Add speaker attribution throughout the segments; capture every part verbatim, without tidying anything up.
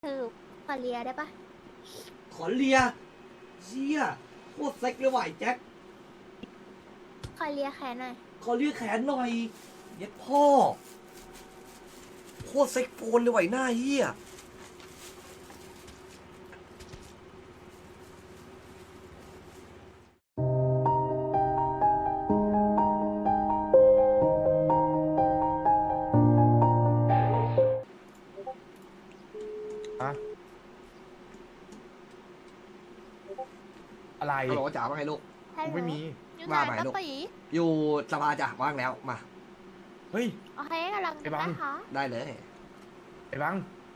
Speaker 1: คือขอเลียได้ปะ
Speaker 2: ขอเลียเชี่ยโคตรเซ็กเลยว่ะไอ้แจ็ค
Speaker 1: ขอเลียแขนหน่อย
Speaker 2: ขอเลียแขนหน่อยเย็ดพ่อโคตรเซ็กโฟนเลยว่ะไอ้หน้าเหี้ย
Speaker 3: อะไร
Speaker 2: ฮัลโหลจ๋าว่าไงลูก
Speaker 1: ฮัลโหล
Speaker 3: ไม่มี
Speaker 1: อยู่ไหน
Speaker 2: ว่าไป
Speaker 1: ตะ
Speaker 2: ลูก
Speaker 1: ปี
Speaker 2: อยู่สภาจ้ะว่างแล้วมา
Speaker 3: เฮ้ย
Speaker 1: โอเคกำลัง
Speaker 3: ไอ้บัง
Speaker 1: นะคะ
Speaker 2: ได้เลย
Speaker 3: ไอ้บัง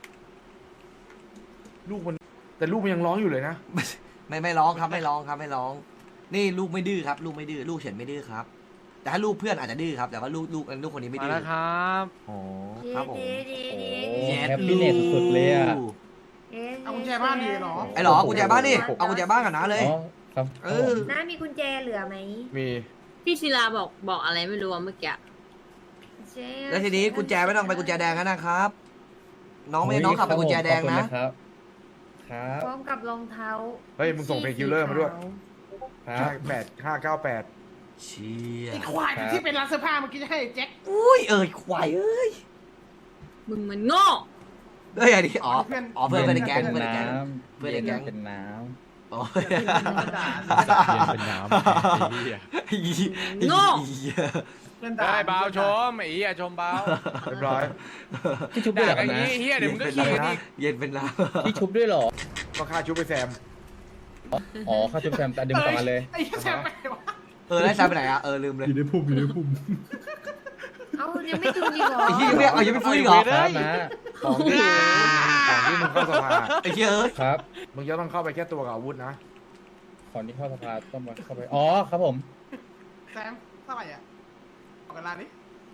Speaker 3: ลูกมัน แต่ลูกมันยังร้องอยู่เลยนะ
Speaker 2: ไม่ไม่ร้องครับไม่ร้องครับไม่ร้อง นี่ลูกไม่ดื้อครับ ลูกไม่ดื้อลูกเฉินไม่ดื้อครับ แต่ถ้าลูกเพื่อนอาจจะดื้อครับแต่ว่าลูกลูกลูกคนนี้ไม่
Speaker 4: มา
Speaker 2: ดื้อ
Speaker 4: แล้วครับ
Speaker 3: อ๋อ
Speaker 2: ครับผม
Speaker 5: โอ้
Speaker 2: เย็ด
Speaker 5: แฮปปี้เนสสุดๆเลยอ่ะ
Speaker 6: เอากุญแจบ้านดีเหรอ
Speaker 2: ไอ้หรอกุญแจบ้านนี่เอากุญแจบ้านกันนะเลย
Speaker 5: อ๋อครับ
Speaker 2: เออ
Speaker 6: น้ามีกุญแจเหลือไหม
Speaker 3: มี
Speaker 7: พี่ศิลาบอกบอกอะไรไม่รู้อะเมื่อกี้
Speaker 6: เจ๊
Speaker 2: แล้วทีนี้กุญแจไม่ต้องไปกุญแจแดงแล้วนะครับ น้องไม่น้องขับไปกุญแจแดงนะ
Speaker 5: ขอบคุณครับ ครับ
Speaker 6: พร้อมกับรองเท้า
Speaker 3: เฮ้ย มึงส่งเพลงคิลเลอร์มาด้วย
Speaker 5: ครั
Speaker 3: ห้า
Speaker 5: บ
Speaker 3: แปดห้าเก้าแปด
Speaker 2: เชี่ย
Speaker 6: ไอ้ควายที่เป็นร้านเสื้อผ้าเมื่อกี้จะให้แจ็ค
Speaker 2: อุ้ยเอ้ยควายเอ้ย
Speaker 7: มึงมันโง่
Speaker 2: เอ้ยอันนี้อ๋อ
Speaker 6: เพื่อน
Speaker 2: อ๋อเพื่อนเพื่อนในแก๊ง
Speaker 5: เป็
Speaker 2: เพื่อน
Speaker 5: น
Speaker 2: ในแก๊ง
Speaker 5: น้ำ
Speaker 2: เพื่อนในแก๊ง
Speaker 5: เป็นน้
Speaker 2: อ๋อ
Speaker 4: เย็นเป็นน้ำไอ้เหี้ย
Speaker 7: โง่
Speaker 6: เพื่อนด่า
Speaker 4: ได้เบาชมไอ้เหี้ยชมเบา
Speaker 3: เรียบร้อย
Speaker 5: ำที่ชุบด้วย
Speaker 4: ด่า
Speaker 5: เหรอ
Speaker 4: กันอย่าง
Speaker 5: นะ
Speaker 4: นี้เหี้ยเดี๋ยวมึงก็ขี้กันอีก
Speaker 2: เย็นเป็นน้
Speaker 5: ที่ชุบด้วยเหรอ
Speaker 3: ก็ค่าชุบไปแซม
Speaker 5: อ๋อเข้าชุบแซมแต่ดึงต่อมาเลย
Speaker 6: ไอ้แซมไปวะ
Speaker 2: ำเออแล้วแซมไปไหนอ่ะเออลืมเลย
Speaker 5: อยู่ในพุ่มอยู่ในพุ่ม
Speaker 6: เอายังไม่ตื่นอีกเหรอ
Speaker 2: ไอ้เหี้ยไม่เอายังไม่ฟื้นอีกเหรอ
Speaker 5: ครับนะ
Speaker 3: ของที่ของที่มึงเข้าสภา
Speaker 2: ไอ้เหี้ยเอ้ย
Speaker 5: ครับ
Speaker 3: มึงจะต้องเข้าไปแค่ตัวกับอาวุธนะ
Speaker 5: ก่อนที่เข้าสภาต้องมาเข้าไป อ๋อครับผม
Speaker 6: แซมเท่าไหร่อ่ะเอากันร้านนี้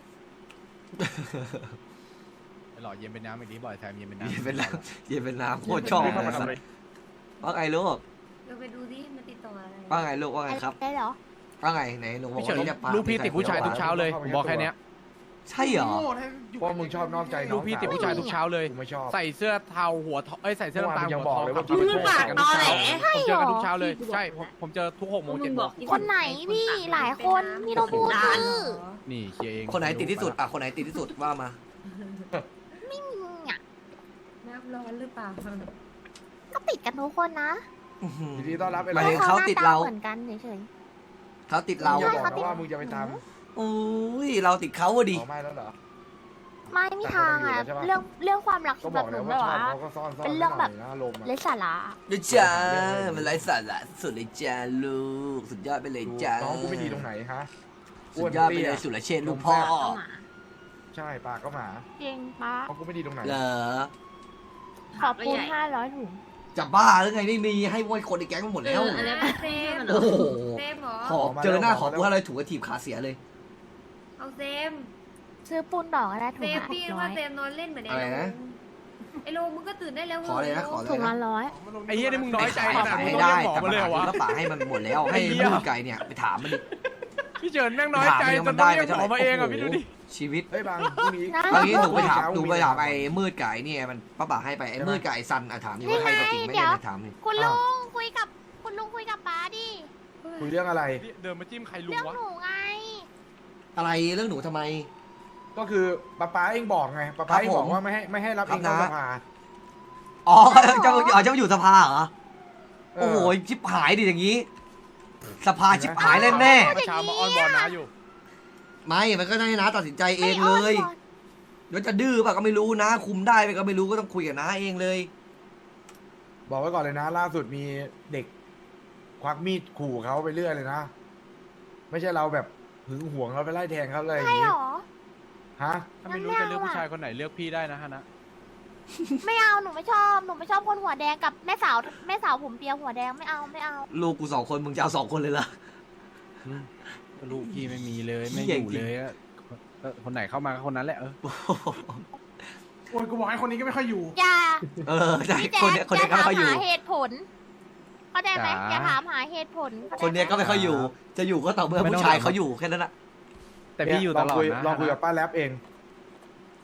Speaker 4: ไอ้หล่อเย็นเป็นน้ำอีกทีบ่อยแทมเย็นเป็นน้ำ
Speaker 2: เย็นเป็นน้ำเย็นเป็นน้ำโคตรชอบ
Speaker 3: เข้ามา
Speaker 2: เลย
Speaker 3: ทำอะไร
Speaker 2: ว่าไงลูก
Speaker 6: เดี๋ยวไปดูดิมันติดต่ออะไร
Speaker 2: ว่าไงลูกว่าไงครับ
Speaker 1: ได้เหรอ
Speaker 2: ว่าไงไหนหนูบอ
Speaker 4: พี่
Speaker 2: ก
Speaker 4: เฉิ
Speaker 2: ว่าน นี่จะปา
Speaker 4: ลูกพี่ติดผู้ชายทุกเช้าเลยผมบอกแค่เนี้ย
Speaker 2: ใช่เหรอ
Speaker 6: โง่แท้อยู่
Speaker 3: เพราะมึงชอบนอกใจน้
Speaker 4: ลู
Speaker 3: อก ง
Speaker 4: พี่ติดผู้ชายทุกเช้าเลย
Speaker 3: กูไม่ชอบ
Speaker 4: ใส่เสื้อเทาหัวทองเอ้ยใส่เสื้อน้ำตาล
Speaker 3: เมื่อวานมึงยัง
Speaker 4: หัว
Speaker 3: บอก
Speaker 4: ทอง
Speaker 3: เลยว่า
Speaker 4: ขับรถ
Speaker 7: มึงปากตอแหล
Speaker 4: ผมเจอกันทุกเช้าเลยใช่ผมผมเจอทุกหกโมง
Speaker 7: มึ
Speaker 4: เจ็ด
Speaker 7: ง
Speaker 4: โม
Speaker 7: บอง ก
Speaker 1: คนไหนพี่หลายคนพี่ต้องพูดชื่อ
Speaker 4: นี่เคลียร์เอง
Speaker 2: คนไหนติดที่สุดอ่ะคนไหนติดที่สุดว่ามา
Speaker 1: ไม่มีอ่ะ
Speaker 6: น้ำร้อนหรือเปล่า
Speaker 1: ก็ติดกันทุกคนนะ
Speaker 2: อื้อหือ
Speaker 3: ยินดีต้อนรับไอ้
Speaker 2: หมายถึง
Speaker 3: เรา
Speaker 2: เขาติดเรา
Speaker 1: หน้ตเหมือนกันเฉย
Speaker 2: เขาติด
Speaker 3: เรา
Speaker 2: เรา
Speaker 3: อย่าบอกนะว่ามึงจะไปท
Speaker 2: อุ้ยเราติดเขาอะ
Speaker 3: ำ
Speaker 2: ดิ
Speaker 3: อ๋อไม่แล้วเหรอ
Speaker 1: ๆไม่มีทางอ่ะ
Speaker 3: แต่เขาต้องอยู่แล้วใช่ปะ
Speaker 1: เรื่องเรื่องความรัก
Speaker 3: ก็
Speaker 1: สำห
Speaker 3: บ
Speaker 1: รั
Speaker 3: อบ ก
Speaker 1: ห
Speaker 3: แล้
Speaker 1: นู
Speaker 3: วว่า
Speaker 1: แบบ
Speaker 3: ชอบ
Speaker 1: ว่า
Speaker 3: เขาก็ซ่อนซ่อน
Speaker 1: เป็นเรื่องแบบ
Speaker 3: ไว้หน่ยนะลมณ์อะ
Speaker 1: ไร้สาระ
Speaker 2: นะจ้ามันไร้สาระสุดเลยจ้าลูกสุดยอดไปเลยจ้า
Speaker 3: น้องกูไม่ดีตรงไหนฮะ
Speaker 2: สุดยอดไปเลยสุรเชษฐ์ลูกพ่อ
Speaker 3: ใช่ปากก็หมา
Speaker 1: จริงปะ
Speaker 3: น้องกูไม่ดีตรงไหน
Speaker 2: เหรอ
Speaker 1: ขอบคุณห้าร้อยถุง
Speaker 2: จะบ้าหรือไงนี่มีให้ไว้คนในแก๊งมันหมด
Speaker 7: เอ
Speaker 2: แล้ว
Speaker 7: ออันนี้เซม
Speaker 2: โอ้โห
Speaker 6: เซมเหรอ
Speaker 2: ขอเจอหน้าขอกูอะไรถูกกระถีบขาเสียเลย
Speaker 6: เอาเซม
Speaker 1: ซื้อปูนดอกก็ได้ถุ
Speaker 6: เซ
Speaker 1: ง
Speaker 6: ม
Speaker 1: ละ
Speaker 6: พี่
Speaker 1: ร้อ
Speaker 6: ว่าย เซมนอนเล่นเหมือนไอ้
Speaker 2: อะไร
Speaker 6: โล
Speaker 2: นะ
Speaker 6: ไอ้โลมึงก็ตื่นได้แล้ว
Speaker 2: ขอเลยนะขอเลย
Speaker 1: ถุง
Speaker 2: นะ
Speaker 1: ละร้อย
Speaker 4: ไอ้เหี้ยนี่มึงน้อยใจ
Speaker 2: ขาย
Speaker 4: ขนาด
Speaker 2: ขาย
Speaker 4: มึง
Speaker 2: ให้
Speaker 4: ต้อง
Speaker 2: ได้
Speaker 4: เรียกหมอ
Speaker 2: แต่
Speaker 4: มา
Speaker 2: ปั
Speaker 4: เลย
Speaker 2: ญ
Speaker 4: เหรอวะ
Speaker 2: หาคือก็ป่าให้มันหมดแล้วให้
Speaker 4: ไอ้เหี้ย
Speaker 2: มือไก่เนี่ยไปถามมันดิ
Speaker 4: พี่เฉินแม่งน้อยใจ
Speaker 2: ไป
Speaker 4: จ
Speaker 2: ถามมัน
Speaker 4: นต้อ
Speaker 2: ได้
Speaker 4: งเรียก
Speaker 2: ไป
Speaker 4: หมอมาเองอ่ะพี่ดูดิ
Speaker 2: ชีวิต
Speaker 3: เฮ้ยบางพรุ่งนี้
Speaker 2: เอางี้หนูไปถามหนูไปถามไอ้มืดไก่เนี่ยมันป้าป่าให้ไปไอ้มืดไก่ซันอ่ะถามดิว่าใครตัวจริงไม่ได้ถามดิ
Speaker 1: คุณลุงคุยกับคุณลุงคุยกับป้าดิ
Speaker 3: คุยเรื่องอะไร
Speaker 4: เดินมาจิ้มใครลุง
Speaker 1: เรื่อง
Speaker 4: วะ
Speaker 1: หนูไง
Speaker 2: อะไรเรื่องหนูทำไม
Speaker 3: ก็คือป้าป้าเองบอกไงป้าป้าเองบอกว่าไม่ให้ไม่ให้รับ
Speaker 2: ครั
Speaker 3: เอบ งเข้า
Speaker 2: นะ
Speaker 3: สภา
Speaker 2: อ๋อเจ้าอ๋อเจ้าอยู่สภาเหรอ
Speaker 3: เอ
Speaker 2: โอ้
Speaker 3: อ
Speaker 2: โหชิบหายดิอย่างงี้ สภาชิบหายแน่แน่
Speaker 4: เมื่อเช้ามาออนบอลนะอยู่
Speaker 2: ๆไม่มันก็ได้นะตัดสินใจเองเลยแล้วจะดื้อป่ะก็ไม่รู้นะ คุมได้ไปก็ไม่รู้ก็ต้องคุยกับน้าเองเลย
Speaker 3: บอกไว้ก่อนเลยนะ ล่าสุดมีเด็ก ควักมีดขู่เขาไปเรื่อยเลยนะ ไม่ใช่เราแบบหึงหวงเราไปไล่แทงเขาเลยอย่า
Speaker 1: ใช่
Speaker 3: งนี้
Speaker 1: เหรอ
Speaker 3: ฮะ
Speaker 4: ถ้าไม่รู้จะเลือกผู้ชายคนไหนเลือกพี่ได้นะฮะนะ
Speaker 1: ไม่เอาหนูไม่ชอบหนูไม่ชอบคนหัวแดงกับแม่สาวแม่สาวผมเปียหัวแดงไม่เอาไม่เอา
Speaker 2: ลูกกูสองคนมึงจะเอาสองคนเลยเหรอ
Speaker 4: ลูกพี่ไม่มีเลยไม่
Speaker 2: เหี้
Speaker 4: อย ยู่
Speaker 2: จริง
Speaker 4: เลยอะเออคนไหนเข้ามาก็คนนั้นแหละเออ
Speaker 6: โอ้ยกูบอกให้คนนี้ก็ไม่ค่อยอยู่
Speaker 1: อย่า
Speaker 2: เออใช่
Speaker 1: พี่แจ๊
Speaker 2: คนเนี้ยคน
Speaker 1: อ
Speaker 2: เนี้ย
Speaker 1: ย่า
Speaker 2: ก็
Speaker 1: ถาม
Speaker 2: ไม่ค่อยอยู่
Speaker 1: หาเหตุผลเข้าใจไหมอย่าถามหาเหตุผลข้าใจ
Speaker 2: คนเนี้ยก็ไม่ค่อยอยู่ จะอยู่ก็ต่อเมื่อผู้ชายเขาอยู่แค่นั้นแหละ
Speaker 4: แต่พี่อยู่ตลอด
Speaker 3: งคุ
Speaker 4: นะ
Speaker 3: ลองคุยกับป้าแรปเอง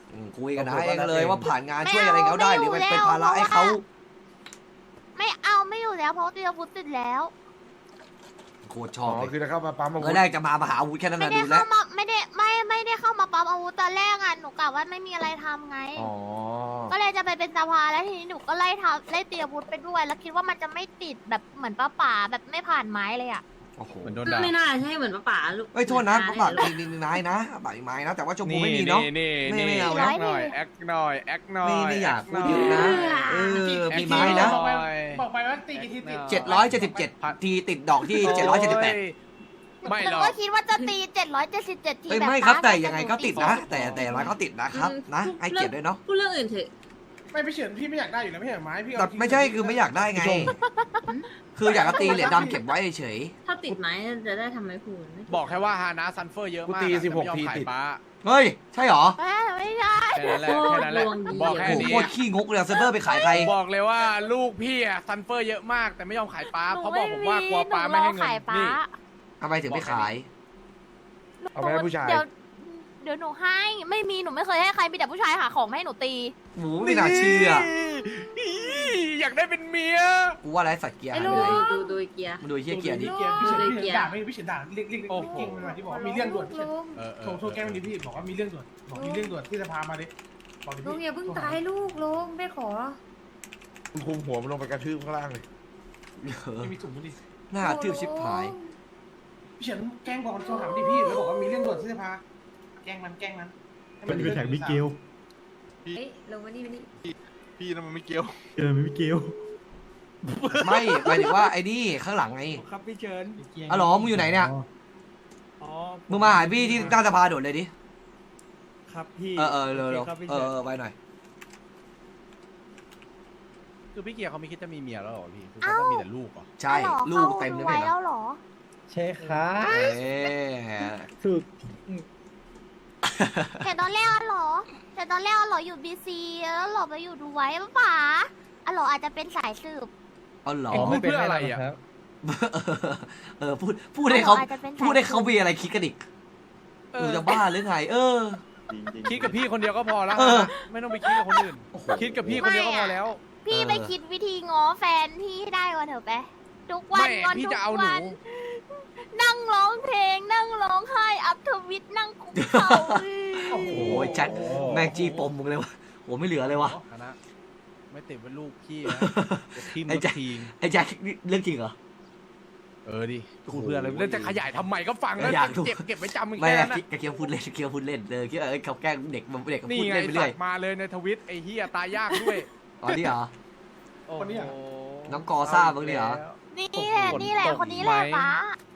Speaker 2: อืมคุยกันนะเองเลยว่าผ่านงานช่วยอะไรเขาได้หรือมันเป็นภาระให้เขา
Speaker 1: ไม่เอาไม่อยู่แล้วเพราะตีอาวุธติดแล้ว
Speaker 2: โคตรช
Speaker 3: อ๋
Speaker 2: อ
Speaker 3: อบ
Speaker 2: เลย
Speaker 3: คือจะเข้ามาปั๊มอาวุ
Speaker 2: เมื่
Speaker 3: ธ
Speaker 2: อแรกจะมามาหาอาวุธแค่นั้น
Speaker 1: ไม่
Speaker 2: นะ
Speaker 1: ได้
Speaker 2: ดูแล้
Speaker 1: เข้าว มาไม่ได้ไม่ไม่ได้เข้ามาปั๊มอาวุธตอนแรกอ่ะหนูกะว่าไม่มีอะไรทำไง
Speaker 3: อ๋อ
Speaker 1: ก็เลยจะไปเป็นสภาแล้วทีนี้หนูก็ไล่ทำไล่ตีอาวุธไปด้วย แล้วคิดว่ามันจะไม่ติดแบบเหมือนป้าป่าแบบไม่ผ่านไม้เลยอ่ะ
Speaker 2: โอ้โห
Speaker 4: เหมือนโดนด่า
Speaker 7: ไม่น่าใช่เหมือนป้าป๋าลูก
Speaker 2: เอ้ยโทษนะ
Speaker 7: เหมื
Speaker 2: ป้า
Speaker 7: อ
Speaker 2: ป่า
Speaker 7: น้
Speaker 2: มีมีไม้นะป่ามีไม้นะ แต่ว่าชมพูไม่มีเนาะ
Speaker 4: นี่
Speaker 2: ไม่ไม่
Speaker 4: นี่
Speaker 2: เอา
Speaker 1: ร้อย
Speaker 4: แอคหน่อย
Speaker 1: ดิ
Speaker 4: แอคหน่อยแอคหน่อย
Speaker 2: ไม่ไม่อยาก
Speaker 4: แ
Speaker 2: พูดเยอะนะเออมีไม้นะ
Speaker 6: บอกไปบอกไปว่าตีกี่ทีติด
Speaker 2: เจ็ดร้อยเจ็ดสิบเจ็ดทีติดดอกที่เจ็ดร้อยเจ็ดสิบแปด
Speaker 4: ไม่
Speaker 1: ห
Speaker 4: หร
Speaker 1: นู
Speaker 4: อก
Speaker 1: ก็คิดว่าจะตีเจ็ดร้อยเจ็ดสิบเจ็ดที
Speaker 2: เอ้ย
Speaker 1: แบบ
Speaker 2: ไม่ครับ
Speaker 1: ป้า
Speaker 2: แต่ยังไงก็ติดนะ
Speaker 1: ห
Speaker 2: แต่แต่อย่างไรก็ติดนะครับนะให้เกียรติด้วยเนาะ
Speaker 7: พูดเรื่องอื่นเถอะ
Speaker 6: ไม่พี่เฉินพี่ไม่อยากได้อยู่แล้วไม่ใช่ไม้พี่
Speaker 2: แต่ไม่ใช่คือไม่อยากได้ไง คืออยากจะตีเหรียญดำเก็บไว้เฉย
Speaker 7: ถ้าติดไม้จะได้ทำไมพูดไม่
Speaker 4: บอกแค่ว่าฮานะซันเฟอร์เยอะมาก
Speaker 3: กูตี
Speaker 4: อะ
Speaker 3: สิบหก
Speaker 4: แต่ไม่ยอม
Speaker 3: ที
Speaker 4: ขาย
Speaker 3: ติด
Speaker 4: ป้า
Speaker 2: เฮ้ยใช่หรอ
Speaker 1: เอ้ยไม่ได้
Speaker 4: แค่นั้นแหละแค่นั้นแหละบอกแค่
Speaker 2: โอ้โห
Speaker 4: นี้
Speaker 2: โคตรขี้งกเลยเซร์ฟเวอร์ไปขายใคร
Speaker 4: บอกเลยว่าลูกพี่อะซันเฟอร์เยอะมาก แต่ไม่ยอมขายป้า
Speaker 1: หนู
Speaker 4: เขาบอกผมว่ากลัว
Speaker 1: หนู
Speaker 4: ป้าไม่ให้
Speaker 1: รอ
Speaker 4: เงิน
Speaker 1: ขายป้า
Speaker 4: นี่
Speaker 2: ทำไมถึงไม่ขาย
Speaker 3: เอาไปให้ผู้ชาย
Speaker 1: เดี๋ยวเดี๋ยวหนูให้ไม่มีหนูไม่เคยให้ใครมีแต่ผู้ชายหาของมาให้หนูตี
Speaker 2: หมูไม่น่าเชื่อ
Speaker 4: อยากได้เป็นเมีย
Speaker 2: กูว่าไรสัตว์เกียร์
Speaker 1: ไอ้
Speaker 2: หาย
Speaker 1: ลู
Speaker 2: ไป
Speaker 1: ก
Speaker 2: ไหน
Speaker 7: ดูดูดูไอ้เกียร์
Speaker 2: มันดูไอ้เฮียเกียร์ดิ
Speaker 6: เกียร์พี่เฉิน
Speaker 7: เลย
Speaker 6: พี่
Speaker 7: เกี
Speaker 6: เฉิ
Speaker 7: ยร์
Speaker 6: นด่าไม่พี่เฉินด่าเรียกเรียกเรียกเก่งมาที่บอกว่ามีเรื่องด่วนพี่เฉิน
Speaker 4: เออเอ
Speaker 6: โทร
Speaker 4: อ
Speaker 6: โทรแกล้งมันดิพี่บอกว่ามีเรื่องด่วนบอกมีเรื่องด่วนที่จะพามาดิบอกดิ
Speaker 8: ลุ
Speaker 6: พี่
Speaker 8: งอย่าเพิ่งตายลูกลุงไม่ขอ
Speaker 3: คุณคุมหัวมันลงไปกระทืบข้างล่างเลย
Speaker 6: ไม่มีถุงดิ
Speaker 2: หน้าทืบชิบหาย
Speaker 6: พี่เฉินแกล้งบอกโทรถามดิพี่แล้วบอกว่ามีเรื่องด่วนที่จะพาแกล้งมันแกล้งมันให้
Speaker 9: มันเป็นแท็กมิเกล
Speaker 8: เฮ้ยลงมานี่มานี่
Speaker 4: พี่นั่นมันไม่เกี่ยว
Speaker 9: เจอมิเกล
Speaker 2: ไม่หมายถึงว่าไอ้นี่ข้างหลังไง
Speaker 9: ครับพี่เชิญ
Speaker 2: อ๋อเหรอมึงอยู่ไหนเนี่ย
Speaker 9: อ๋อ
Speaker 2: มึงมาหาพี่ที่หน้าสภาโดดเลยดิ
Speaker 9: ครับพี่
Speaker 2: เออเออเร็วเร็ว
Speaker 9: โอคครับพี่
Speaker 2: เอ
Speaker 9: เชิ
Speaker 2: อ
Speaker 9: ญ
Speaker 2: เออไว้หน่อย
Speaker 4: คือพี่เกียร์เขาไม่คิดจะมีเมียแล้วเหรอพี่คือ
Speaker 1: เอ้า
Speaker 4: เขาจะมีแต่ลูกเหรอ
Speaker 2: ใช่
Speaker 1: อ้าวหรอ
Speaker 2: ลูกเต็มเลย
Speaker 1: ไว้
Speaker 2: ไม่เหร
Speaker 1: แล้
Speaker 2: อ
Speaker 1: วเหรอ
Speaker 5: ใช่ครับ
Speaker 2: เอ๊ะ
Speaker 5: ถูก
Speaker 1: แต่ตอนแรกอะเหรอ แต่ตอนแรกอะเหรออยู่บีซีแล้วเหรอไปอยู่ดูไว้ปะป๋าอะเหรออาจจะเป็นสายสืบ
Speaker 2: เอาเหรอ
Speaker 4: อ๋อ ไม่เป็นไรอะ
Speaker 5: ครับ
Speaker 2: เออพูดพูดให้เขา
Speaker 1: อาจจะเป็นสาย
Speaker 2: พูดให้เขามีอะไรคิดกันอีก
Speaker 4: เอ
Speaker 2: มึ
Speaker 4: อง
Speaker 2: จะบ้าหรือไง เออ
Speaker 4: คิดกับพี่คนเดียวก็พอแล้ว
Speaker 2: เออ
Speaker 4: ไม่ต้องไปคิดกับคนอื่น
Speaker 2: โอ้โห
Speaker 4: คิดกับพี่คนเดียวก็พอแล้ว
Speaker 1: พี่
Speaker 2: เออ
Speaker 1: ไปคิดวิธีง้อแฟนพี่ให้ได้ก่อนเถอะไปทุกวัน
Speaker 4: ไม่
Speaker 1: งอน
Speaker 4: พี่
Speaker 1: ทุก
Speaker 4: จะเอาหนู
Speaker 1: วันนั่งร้องเพลง นั่งร้องไห้อัพทวิตนั่งคุกเข่า
Speaker 2: โอ้โหแจ็คแม่งจี้ปมมึงเลยวะโหไม่เหลือเลยวะ
Speaker 4: คณะไม่ติดเป็นลูกพี่นะจะทิม
Speaker 2: ไอ้
Speaker 4: กับ
Speaker 2: แจ็ค
Speaker 4: ทีง
Speaker 2: ไอ้แจ็คนี่เรื่องจริงเหรอ
Speaker 4: เออดิพูดเพื่ออะไรเรื่องจะขยายทำไมก็ฟังแล้ว
Speaker 2: อยากดู
Speaker 4: เก็บเก็บไว้จำมึง
Speaker 2: ไม่
Speaker 4: แค่
Speaker 2: อะ
Speaker 4: นั้น
Speaker 2: คิด
Speaker 4: นะ
Speaker 2: เคียวพูดเล่นเคียวพูดเล่นเลยคิดว่าเอ้ยเขาแกล้งเด็กมันเด็กก็
Speaker 4: นี่
Speaker 2: พูด
Speaker 4: ไง
Speaker 2: เล่นไป
Speaker 4: สั
Speaker 2: เรื่อ
Speaker 4: ต
Speaker 2: ย
Speaker 4: ว์มาเลยในทวิตไอ้เฮียตายยากด้วย
Speaker 2: อ๋อนี่เหรอ
Speaker 4: โอ้โห
Speaker 2: น้องกอซ่าบ้างดิเหรอ
Speaker 1: นี่แหละนี่แหละคนนี้แหละป้าก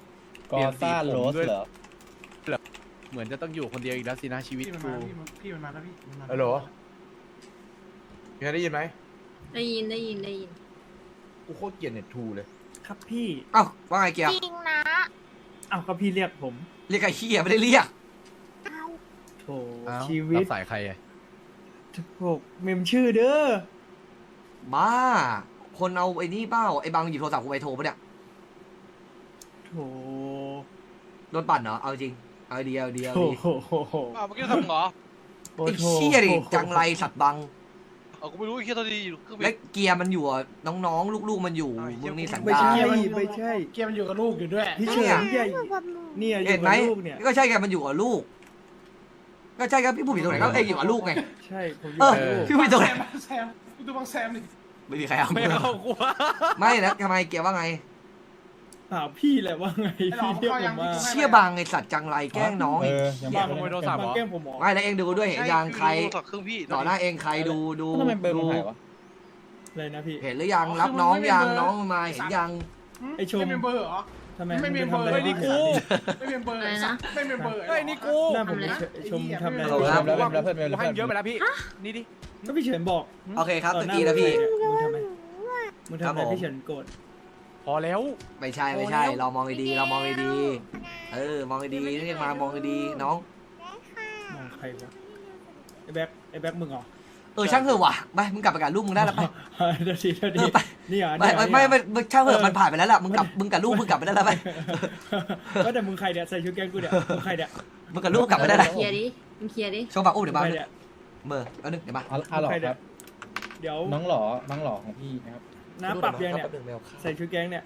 Speaker 5: อซ่าโรสเหรอ
Speaker 4: เหมือนจะต้องอยู่คนเดียวอีกแล้วสินะชีวิต
Speaker 6: พี่มัน
Speaker 4: กู
Speaker 6: มาพี่มันพี่มันมาแล้วพี่มันมา
Speaker 3: ฮัลโหลมีใครได้ยินไหม
Speaker 7: ได้ยินได้ยินได้ยิน
Speaker 3: กูโคตรเกลียดเน็ตทูเลย
Speaker 9: ครับพี่
Speaker 2: เอ้าว่าไงเกียร์
Speaker 1: จริงนะ
Speaker 9: อ้าวก็พี่เรียกผม
Speaker 2: เรียกไอ้เฮียไม่ได้เรียก
Speaker 9: โถ
Speaker 4: อ้าว
Speaker 9: ชีวิต
Speaker 4: รับสายใครอะ
Speaker 9: โถเมมชื่อเด้อ
Speaker 2: บ้า คนเอาไอ้นี่เปล่าไอ้บางหยิบโทรศัพท์กูไปโทรปะเนี่ย
Speaker 9: โถ
Speaker 2: โดนปั่นเหรอเอาจริงเอาดีเอาดีเอา
Speaker 9: โถ
Speaker 2: ดี
Speaker 9: โหโหโห
Speaker 10: อ้าวเมื่อกี้ทำเหรอ
Speaker 9: โอ้
Speaker 2: ไอ้
Speaker 9: โถ
Speaker 2: เชี่ยดิจังไรสัตว์บัง
Speaker 10: เอากูไม่รู้ไอ้เคียตอนนี้อยู่เครื่องบิ
Speaker 2: และ
Speaker 10: น
Speaker 2: เกียร์มันอยู่อะน้องๆ ลูกๆมันอยู่
Speaker 10: อ้าวไอ้เหี้
Speaker 2: มึ
Speaker 10: ย
Speaker 2: งนี่สัน
Speaker 9: ไม่
Speaker 2: ดา
Speaker 9: ใช่
Speaker 2: น
Speaker 9: ไม่ใช่
Speaker 6: เกมมันอยู่กับลูกอยู่ด้วย
Speaker 9: พี่เฉินใหญ่เนี่ยอ
Speaker 2: เห็
Speaker 9: ยู่
Speaker 2: นไหม
Speaker 9: กับลูกเนี่ย
Speaker 2: ก็ใช่ไงมันอยู่กับลูก ก็ใช่ครับพี่ผู้ผิดตรงไหนก็เอ้ยอยู่กับลูกไง
Speaker 9: ใช่ผมอยู่
Speaker 2: เออ
Speaker 9: กับลูก
Speaker 2: พี่ผู้ผิดตรงไหน
Speaker 6: แซมแซมดูบางแซมดิ
Speaker 2: ไม่มีใครเอา
Speaker 4: ไม่เอากูว่า
Speaker 2: ไม่นะทำไมเกียร์ว่าไง
Speaker 9: ถามพี่แหละว่าไง
Speaker 6: ไอ้หลอ
Speaker 9: พี่
Speaker 6: ก
Speaker 9: เรียก
Speaker 6: เขา
Speaker 9: ผ
Speaker 6: ยัง
Speaker 9: มมา
Speaker 6: ให้
Speaker 2: เชี่ยบางไอสัตว์จังไรแกล้งน้อง
Speaker 5: เอ
Speaker 2: อีก
Speaker 5: อยัง
Speaker 9: บา
Speaker 5: บาง
Speaker 4: ขโมยโทรศัพท์เหรอ
Speaker 9: แกล้งผมหมอ
Speaker 2: ไม่แล้วเองดูด้วยเห็นยังใคร
Speaker 10: โทรศัพท์เครื่องพี่
Speaker 2: ต่อหน้าเองใครดูดู
Speaker 5: ทำไมเบอร์มัน
Speaker 2: ดู
Speaker 5: หายวะ
Speaker 9: เลยนะพี่
Speaker 2: เห็นหรือยังรับน้องยังน้องมาเห็นยัง
Speaker 9: ไอ้ชม
Speaker 6: ไม่เป็นเบอร์เหรอ
Speaker 9: ทำไม
Speaker 6: ไม่
Speaker 9: ง
Speaker 6: มี
Speaker 9: ปทำ
Speaker 6: เบอร์
Speaker 9: อะไร
Speaker 4: เฮ้ยนี่กู
Speaker 6: ไม่เป็นเบอร์
Speaker 7: อะไรนะ
Speaker 6: ไม่เป็นเบอร์
Speaker 4: เฮ้ยนี่กู
Speaker 9: หน้าผมเลยชมทำอะไร
Speaker 2: ฮัลโหลครับ
Speaker 5: แล้วแล้วเพื่อน
Speaker 4: กู
Speaker 5: แล้ว
Speaker 4: ให้
Speaker 5: เพื่อน
Speaker 4: เยอะไปแล้วพี่ นี่ดิ
Speaker 9: ก็พี่เฉินบอก
Speaker 2: โอเคครับ
Speaker 9: ต่
Speaker 2: ตะ
Speaker 9: หา
Speaker 2: กี้นะพี่
Speaker 9: มึงทำไมมึง
Speaker 2: ครั
Speaker 9: ทำ
Speaker 2: บ
Speaker 9: อะไร
Speaker 2: ผม
Speaker 9: พี่เฉินโกรธ
Speaker 4: พอแล้ว
Speaker 2: ไม่ใช่ไม่ใช่ เรามองดีๆเรามองดีๆเออมองดีๆเรียกมามองดีๆน้อง
Speaker 9: มองใครวะไอ้แบ็คไอ้แบ็คมึงเหรอ
Speaker 2: เออช่างเถอะว่ะไปมึงกลับไปกับลูกมึงได้แล้วไป
Speaker 9: เดี๋ยวทีเดี๋ยว
Speaker 2: เอ
Speaker 9: ที
Speaker 2: อไป
Speaker 9: นี่เหรอ
Speaker 2: ไม่
Speaker 9: นี่เหรอ
Speaker 2: ไม่ไม่
Speaker 9: นี่เหรอ
Speaker 2: ไม่ช่างเถ
Speaker 9: เอ
Speaker 2: อะ
Speaker 9: อ
Speaker 2: มันผ่านไปแล้วล่ะมึงกลับมึงกับลูกมึงกลับไปได้แล้วไป
Speaker 9: ว่าแต่มึงใครเนี่ยใส่ชุดแกงกูเนี่ยมึงใครเนี่ย
Speaker 2: มึงกับลูกกลับไปได้แล้ว
Speaker 7: เคลียร์ดิมึงเคลียร์ดิ
Speaker 2: โชว์บักอุ้มเดี๋ยว
Speaker 9: มึง
Speaker 2: บัง
Speaker 9: ใครเนี่ย
Speaker 2: เมื่อเอาหนึ่งเดี๋ยวมา
Speaker 5: อ๋ออ๋อเหรอครับ
Speaker 9: เดี๋ยว
Speaker 5: น้องหล่อน้องหล่อของพี่นะครับ
Speaker 9: น้าปรับยังเนี่ย
Speaker 2: แป๊บนึงไม่เอาข้าว
Speaker 9: ใส่ชุดแก๊งเนี่ย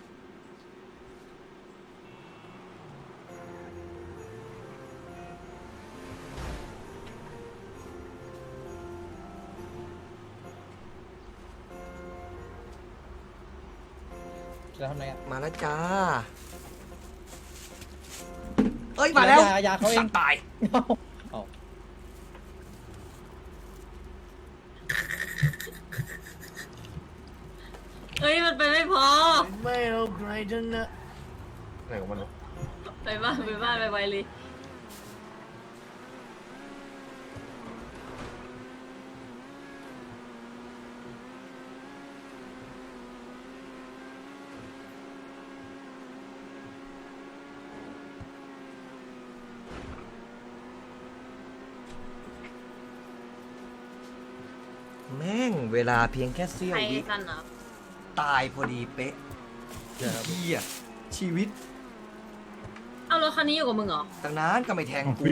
Speaker 5: จะทำอะไรอ่ะ
Speaker 2: มาแล้วจ้า เอ้ย มาแล้ว
Speaker 5: ยายาเขาเอง
Speaker 2: สัตว์ตาย
Speaker 5: เอา
Speaker 7: เอ้ยมันไปไม่พอ
Speaker 3: ไม่เอาใครทั้งนั้นไหนของมันวะ
Speaker 7: ไปบ้านไปบ้านไปไวเลย
Speaker 2: แม่งเวลาเพียงแค่เสี้ยว
Speaker 7: ใคร
Speaker 2: วิ
Speaker 7: กันเหรอ
Speaker 2: ตายพอดีเป๊ะเฮียชีวิต
Speaker 7: เอารถคันนี้อยู่กับมึงเหรอ
Speaker 2: ตั้งนานก็ไม่แทงกู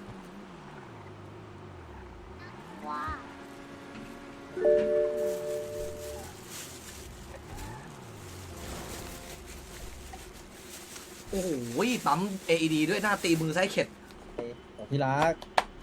Speaker 1: ว่า
Speaker 2: โอ้โหปั๊ม เอ อี ดี ด้วยหน้าตีมือซ้ายเข็ด
Speaker 5: ที่รัก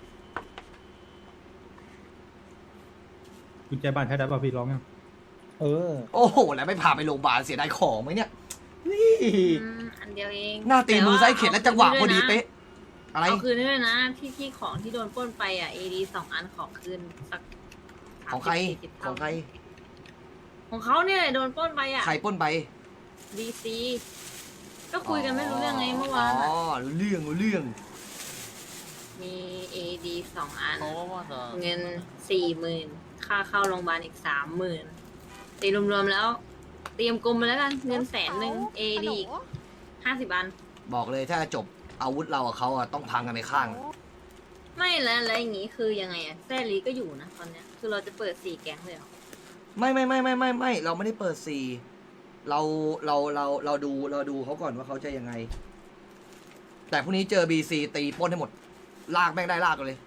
Speaker 4: กุญแจบ้านใช้ได้ป่ะพี่ร้องยัง
Speaker 5: เออ
Speaker 2: โอ้โห แล้วไม่พาไปโรงพยาบาลเสียดายของไหมเนี่ย นี่
Speaker 7: อืมอันเดียวเอง
Speaker 2: หน้าตีมือซ้ายเข็ดและจังหวะพอดีเป๊ะ อะไร
Speaker 7: เอาคืนได้ด้วยนะ ที่ที่ของที่โดนปล้นไปอ่ะ เอ ดี สองอันขอคืนสัก
Speaker 2: ของใคร
Speaker 7: สามสิบ
Speaker 2: ของใคร
Speaker 7: ของเขาเนี่ยโดนปล้นไปอ่ะ
Speaker 2: ใครปล้นไป
Speaker 7: ดี ซี ก็คุยกันไม่รู้เรื่องไงเมื่อวาน
Speaker 2: อ๋
Speaker 7: อะ
Speaker 2: อรู้เรื่องรู้เรื่อง
Speaker 7: มี เอ ดี สองอัน เงินสี่หมื่นค่าเข้าโรงพยาบาลอีกสามหมื่นตีรวมๆแล้ว เตรียมกลมไปแล้วกัน เงินแสนหนึ่ง เอ ดี อีกห้าสิบอัน
Speaker 2: บอกเลยถ้าจบอาวุธเรากับเขาอะต้องพังกันไปข้าง
Speaker 7: ไม่แล้วแล้วอย่างงี้คือยังไงอะแซลีก็อยู่นะตอนเนี้ย คือเราจะเปิดสี่แก๊งเลยเหรอ
Speaker 2: ไม่ไม่ไม่ไม่ไม่ไม่เราไม่ได้เปิดซีเราเราเราเราดูเราดูเขาก่อนว่าเขาจะยังไง แต่พรุ่งนี้เจอบีซีตีปล้นให้หมด ลากแม่งได้ลากกันเลย